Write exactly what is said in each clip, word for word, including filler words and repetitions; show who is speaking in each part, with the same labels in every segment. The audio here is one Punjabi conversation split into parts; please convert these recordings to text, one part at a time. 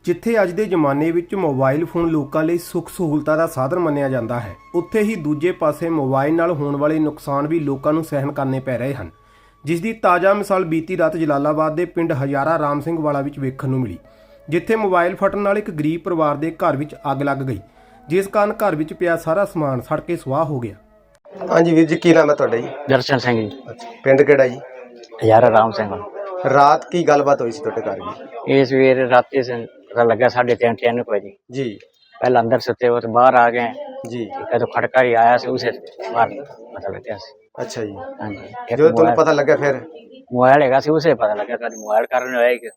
Speaker 1: ਜਿੱਥੇ ਅੱਜ ਦੇ ਜ਼ਮਾਨੇ ਵਿੱਚ ਮੋਬਾਈਲ ਫੋਨ ਲੋਕਾਂ ਲਈ ਸੁੱਖ ਸਹੂਲਤਾਂ ਦਾ ਸਾਧਨ ਮੰਨਿਆ ਜਾਂਦਾ ਹੈ, ਉੱਥੇ ਹੀ ਦੂਜੇ ਪਾਸੇ ਮੋਬਾਈਲ ਨਾਲ ਹੋਣ ਵਾਲੇ ਨੁਕਸਾਨ ਵੀ ਲੋਕਾਂ ਨੂੰ ਸਹਿਣ ਕਰਨੇ ਪੈ ਰਹੇ ਹਨ, ਜਿਸ ਦੀ ਤਾਜ਼ਾ ਮਿਸਾਲ ਬੀਤੀ ਰਾਤ ਜਲਾਲਾਬਾਦ ਦੇ ਪਿੰਡ ਹਜ਼ਾਰਾ ਰਾਮ ਸਿੰਘ ਵਾਲਾ ਵਿੱਚ ਵੇਖਣ ਨੂੰ ਮਿਲੀ, ਜਿੱਥੇ ਮੋਬਾਈਲ ਫਟਣ ਨਾਲ ਇੱਕ ਗਰੀਬ ਪਰਿਵਾਰ ਦੇ ਘਰ ਵਿੱਚ ਅੱਗ ਲੱਗ ਗਈ, ਜਿਸ ਕਾਰਨ ਘਰ ਵਿੱਚ ਪਿਆ ਸਾਰਾ ਸਮਾਨ ਸੜ ਕੇ ਸੁਆਹ ਹੋ ਗਿਆ।
Speaker 2: ਹਾਂਜੀ ਵੀਰ ਜੀ, ਕੀ ਨਾਮ ਹੈ ਤੁਹਾਡਾ ਜੀ?
Speaker 3: ਦਰਸ਼ਨ ਸਿੰਘ ਜੀ।
Speaker 2: ਅੱਛਾ, ਪਿੰਡ ਕਿਹੜਾ ਜੀ?
Speaker 3: ਹਜ਼ਾਰਾ ਰਾਮ ਸਿੰਘ।
Speaker 2: ਰਾਤ ਕੀ ਗੱਲਬਾਤ ਹੋਈ ਸੀ ਤੁਹਾਡੇ ਘਰ ਜੀ?
Speaker 3: ਇਹ ਸਵੇਰ ਰਾਤੀ ਪਤਾ ਲੱਗਾ साढ़े तीन तीन बजे
Speaker 2: जी।
Speaker 3: पहले अंदर सोते हो तो बाहर आ गए
Speaker 2: जी।
Speaker 3: तो खड़का ही आया से उसे बाहर पता लग गया।
Speaker 2: अच्छा जी।
Speaker 3: हाँ जी।
Speaker 2: जो तुम्हें पता लगा फिर?
Speaker 3: मोबाइल है उसे पता लगा कि मोबाइल कारण है कि।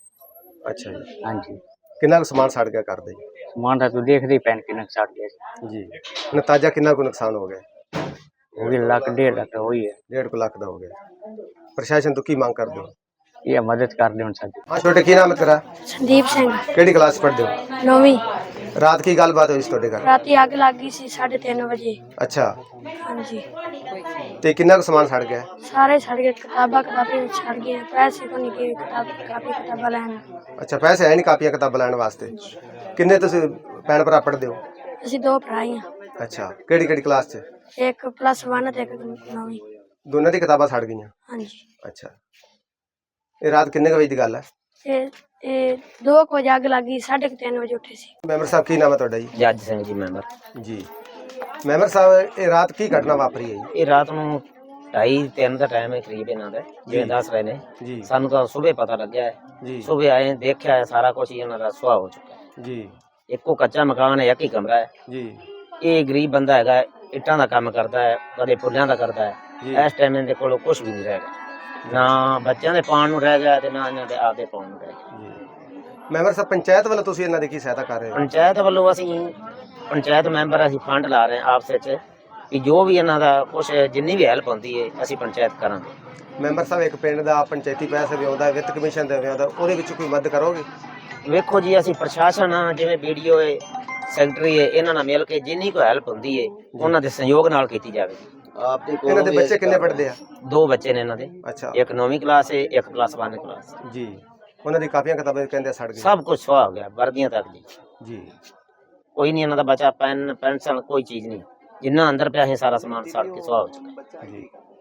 Speaker 2: अच्छा जी।
Speaker 3: हाँ जी।
Speaker 2: कितना सामान सड़ गया कर दे?
Speaker 3: सामान था तू देख दी पैन कितना सड़ गया
Speaker 2: जी। नताजा कितना को नुकसान हो गया?
Speaker 3: वो भी लाख डेढ़ लाख हो ही है।
Speaker 2: डेढ़ को लाख का हो गया। प्रशासन तो की मांग कर दो?
Speaker 3: ये मदद कर दे साडी।
Speaker 2: हाँ छोटे, की नाम है तेरा?
Speaker 4: संदीप सिंह।
Speaker 2: केड़ी क्लास पढ़दे हो?
Speaker 4: नौवीं।
Speaker 2: रात की गलबात हुई ਤੁਹਾਡੇ ਘਰ?
Speaker 4: राती आग लग गई सी साढ़े तीन बजे।
Speaker 2: अच्छा।
Speaker 4: हाँ जी।
Speaker 2: ते कितना को सामान सड़ गया?
Speaker 4: सारे सड़ गए, किताबा किताबें सड़ गई, पैसे को नहीं गए किताब कापी किताबा लैन।
Speaker 2: अच्छा, पैसे है नहीं कापियां किताबां लैण वास्ते? किन्ने तुसीं भैण भरा पढ़दे हो?
Speaker 4: ਅਸੀਂ ਦੋ ਭਰਾ ਹੀ ਹਾਂ।
Speaker 2: अच्छा, केड़ी केड़ी क्लास च?
Speaker 4: ਇੱਕ ਪਲੱਸ वन ਤੇ ਇੱਕ ਨੌਵੀਂ।
Speaker 2: ਦੋਨਾਂ ਦੀ ਕਿਤਾਬਾਂ ਸੜ ਗਈਆਂ?
Speaker 4: ਹਾਂਜੀ।
Speaker 2: ਅੱਛਾ, ਇਹ ਰਾਤ ਕਿੰਨੇ ਕੁ ਵਜੇ ਦੀ ਗੱਲ ਹੈ?
Speaker 4: ਇਹ ਇਹ ਦੋ ਕੁ ਵਜੇ ਅੱਗ ਲੱਗ ਗਈ, ਸਾਢੇ ਕੁ ਤਿੰਨ ਵਜੇ ਉੱਠੇ ਸੀ।
Speaker 2: ਮੈਂਬਰ ਸਾਹਿਬ, ਕੀ ਨਾਮ ਹੈ ਤੁਹਾਡਾ ਜੀ?
Speaker 3: जज सिंह जी मैंबर
Speaker 2: ਜੀ। ਮੈਂਬਰ ਸਾਹਿਬ, ਇਹ ਰਾਤ ਕੀ ਘਟਨਾ ਵਾਪਰੀ ਹੈ
Speaker 3: ਇਹ ਰਾਤ ਨੂੰ ਢਾਈ ਤਿੰਨ ਦਾ ਟਾਈਮ ਹੈ ਕਰੀਬ ਇਹਨਾਂ ਦਾ, ਜਿਵੇਂ ਦੱਸ ਰਹੇ ਨੇ।
Speaker 2: ਜੀ?
Speaker 3: ਸਾਨੂੰ ਤਾਂ ਸਵੇਰੇ ਪਤਾ ਲੱਗਿਆ ਹੈ।
Speaker 2: ਜੀ।
Speaker 3: ਸਵੇਰੇ ਆਏ ਦੇਖਿਆ ਹੈ ਸਾਰਾ ਕੁਝ ਇਹਨਾਂ ਦਾ ਸੁਆਹ ਹੋ ਚੁੱਕਾ ਹੈ।
Speaker 2: ਜੀ।
Speaker 3: ਇੱਕੋ ਕੱਚਾ ਮਕਾਨ ਹੈ, ਇੱਕ ਹੀ ਕਮਰਾ ਹੈ।
Speaker 2: ਜੀ।
Speaker 3: ਇਹ ਗਰੀਬ ਬੰਦਾ ਹੈਗਾ, ਇੱਟਾਂ ਦਾ ਕੰਮ ਕਰਦਾ ਹੈ, ਕਦੇ ਪੁੱਲਿਆਂ ਦਾ ਕਰਦਾ ਹੈ।
Speaker 2: ਜੀ।
Speaker 3: ਇਸ ਟਾਈਮ ਇਹਦੇ ਕੋਲ ਕੁਝ ਵੀ ਨਹੀਂ ਰਹਿ ਗਿਆ, ਨਾ ਬੱਚਿਆਂ ਦੇ ਪਾਉਣ ਨੂੰ ਰਹਿ ਗਿਆ ਤੇ ਨਾ ਇਹਨਾਂ ਦੇ ਆਪਦੇ ਪਾਉਣ ਨੂੰ ਰਹਿ ਗਿਆ।
Speaker 2: ਜੀ। ਮੈਂਬਰ ਸਾਹਿਬ, ਪੰਚਾਇਤ ਵੱਲੋਂ ਤੁਸੀਂ ਇਹਨਾਂ ਦੀ ਕੀ ਸਹਾਇਤਾ ਕਰ ਰਹੇ ਹੋ?
Speaker 3: ਪੰਚਾਇਤ ਵੱਲੋਂ ਅਸੀਂ ਪੰਚਾਇਤ ਮੈਂਬਰ ਅਸੀਂ ਫੰਡ ਲਾ ਰਹੇ ਹਾਂ ਆਪਸ ਵਿੱਚ ਕਿ ਜੋ ਵੀ ਇਹਨਾਂ ਦਾ ਕੁਛ ਜਿੰਨੀ ਵੀ ਹੈਲਪ ਹੁੰਦੀ ਹੈ ਅਸੀਂ ਪੰਚਾਇਤ ਕਰਾਂਗੇ।
Speaker 2: ਮੈਂਬਰ ਸਾਹਿਬ, ਇੱਕ ਪਿੰਡ ਦਾ ਪੰਚਾਇਤੀ ਪੈਸੇ ਵੀ ਆਉਂਦਾ, ਵਿੱਤ ਕਮਿਸ਼ਨ ਦੇ ਵੀ ਆਉਂਦਾ, ਉਹਦੇ ਵਿੱਚ ਕੋਈ ਮਦਦ ਕਰੋਗੇ?
Speaker 3: ਵੇਖੋ ਜੀ, ਅਸੀਂ ਪ੍ਰਸ਼ਾਸਨ ਆ, ਜਿਵੇਂ ਵੀਡੀਓ ਹੈ, ਸੈਕਟਰੀ ਹੈ, ਇਹਨਾਂ ਨਾਲ ਮਿਲ ਕੇ ਜਿੰਨੀ ਕੋਈ ਹੈਲਪ ਹੁੰਦੀ ਹੈ ਉਹਨਾਂ ਦੇ ਸਹਿਯੋਗ ਨਾਲ ਕੀਤੀ ਜਾਵੇਗੀ।
Speaker 2: ਇਹਨਾਂ ਦੇ ਬੱਚੇ ਕਿੰਨੇ ਪੜ੍ਹਦੇ ਆ?
Speaker 3: ਦੋ ਬੱਚੇ ਨੇ ਇਹਨਾਂ ਦੇ।
Speaker 2: ਅੱਛਾ।
Speaker 3: ਇੱਕ ਨੌਵੀਂ ਕਲਾਸ ਹੈ, ਇੱਕ ਪਲੱਸ वन ਕਲਾਸ।
Speaker 2: ਜੀ। ਉਹਨਾਂ ਦੀ ਕਾਪੀਆਂ ਕਿਤਾਬਾਂ ਕਹਿੰਦੇ ਸੜ ਗਈਆਂ?
Speaker 3: ਸਭ ਕੁਝ ਸੁਆਹ ਹੋ ਗਿਆ, ਵਰਦੀਆਂ ਤੱਕ ਜੀ।
Speaker 2: ਜੀ।
Speaker 3: ਕੋਈ ਨਹੀਂ ਇਹਨਾਂ ਦਾ ਬਚਾ, ਪੈਨ ਪੈਨਸਲ ਕੋਈ ਚੀਜ਼ ਨਹੀਂ, ਜਿੰਨਾ ਅੰਦਰ ਪਿਆ ਹੈ ਸਾਰਾ ਸਮਾਨ ਸੜ ਕੇ ਸੁਆਹ ਹੋ ਚੁੱਕਾ ਹੈ।
Speaker 2: ਜੀ।